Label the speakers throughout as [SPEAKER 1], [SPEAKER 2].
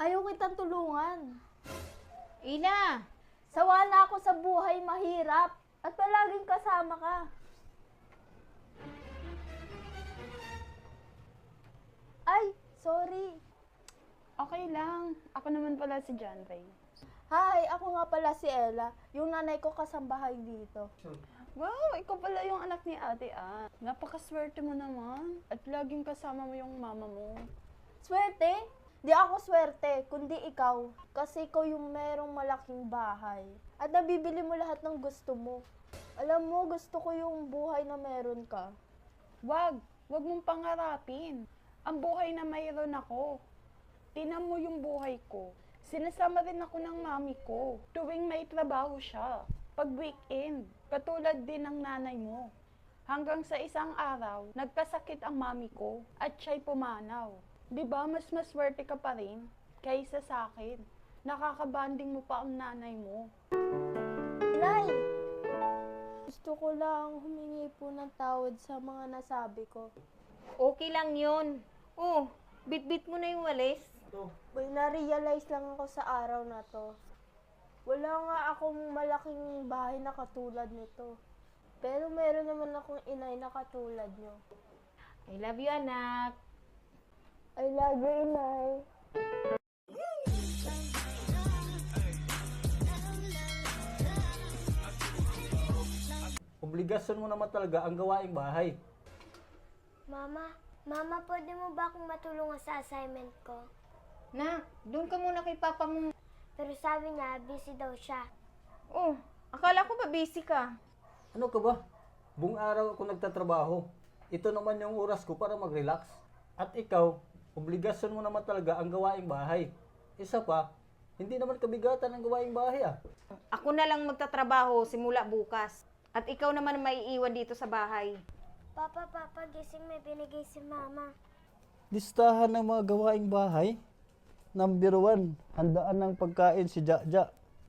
[SPEAKER 1] Ayaw kitang tulungan.
[SPEAKER 2] Ina!
[SPEAKER 1] Sawa na ako sa buhay mahirap at palaging kasama ka. Ay, sorry.
[SPEAKER 3] Okay lang. Ako naman pala si John Ray.
[SPEAKER 1] Hi, ako nga pala si Ella, yung nanay ko kasambahay dito.
[SPEAKER 3] Wow, ikaw pala yung anak ni Ate Ann. Napakaswerte mo naman. At laging kasama mo yung mama mo.
[SPEAKER 1] Swerte? Di ako swerte, kundi ikaw. Kasi ikaw yung merong malaking bahay. At nabibili mo lahat ng gusto mo. Alam mo, gusto ko yung buhay na meron ka.
[SPEAKER 3] Wag mong pangarapin. Ang buhay na mayroon ako. Tinan mo yung buhay ko. Sinasama rin ako ng mami ko. Tuwing may trabaho siya. Pag weekend, katulad din ng nanay mo. Hanggang sa isang araw, nagkasakit ang mami ko at siya'y pumanaw. Diba mas maswerte ka pa rin kaysa sa akin. Nakakabanding mo pa ang nanay mo.
[SPEAKER 1] Inay! Gusto ko lang humingi po ng tawad sa mga nasabi ko.
[SPEAKER 2] Okay lang yun. Oh, bit-bit mo na yung walis.
[SPEAKER 1] May na-realize lang ako sa araw na to. Wala nga akong malaking bahay na katulad nito. Pero meron naman akong inay na katulad nyo.
[SPEAKER 2] I love you, anak.
[SPEAKER 1] I love you, inay.
[SPEAKER 4] Obligasyon mo naman talaga ang gawaing bahay.
[SPEAKER 5] Mama, pwede mo ba akong matulungan sa assignment ko?
[SPEAKER 2] Nak, doon ka muna kay papa mo.
[SPEAKER 5] Pero sabi niya, busy daw siya.
[SPEAKER 2] Oh, akala ko ba busy ka?
[SPEAKER 4] Ano ka ba? Buong araw ako nagtatrabaho. Ito naman yung oras ko para mag-relax. At ikaw, obligasyon mo naman talaga ang gawaing bahay. Isa pa, hindi naman kabigatan ang gawaing bahay ah.
[SPEAKER 2] Ako na lang magtatrabaho simula bukas. At ikaw naman ang maiiwan dito sa bahay.
[SPEAKER 5] Papa, gising, may binigay si Mama.
[SPEAKER 4] Listahan ng mga gawaing bahay. Number 1, handaan ng pagkain si Jaja.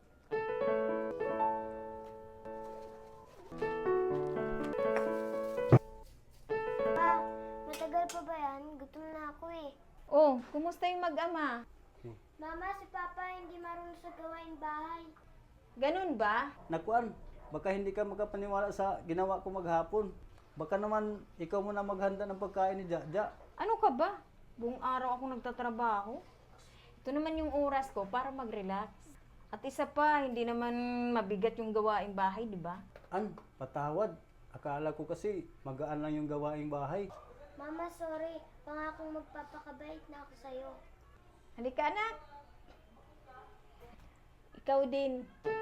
[SPEAKER 5] Pa, matagal pa ba yan? Gutom na ako eh.
[SPEAKER 2] Oh, kumusta yung mag-ama?
[SPEAKER 5] Mama, si Papa hindi marunong sa gawain bahay.
[SPEAKER 2] Ganun ba?
[SPEAKER 4] Nakuan, baka hindi ka makapaniwala sa ginawa ko maghapon. Baka naman ikaw muna maghanda ng pagkain ni Jaja.
[SPEAKER 2] Ano ka ba? Buong araw ako nagtatrabaho. Ito naman yung oras ko para mag-relax. At isa pa, hindi naman mabigat yung gawaing bahay, di ba?
[SPEAKER 4] Patawad. Akala ko kasi magaan lang yung gawaing bahay.
[SPEAKER 5] Mama, sorry. Pangakong magpapakabait na ako sa'yo.
[SPEAKER 2] Halika, anak. Ikaw din.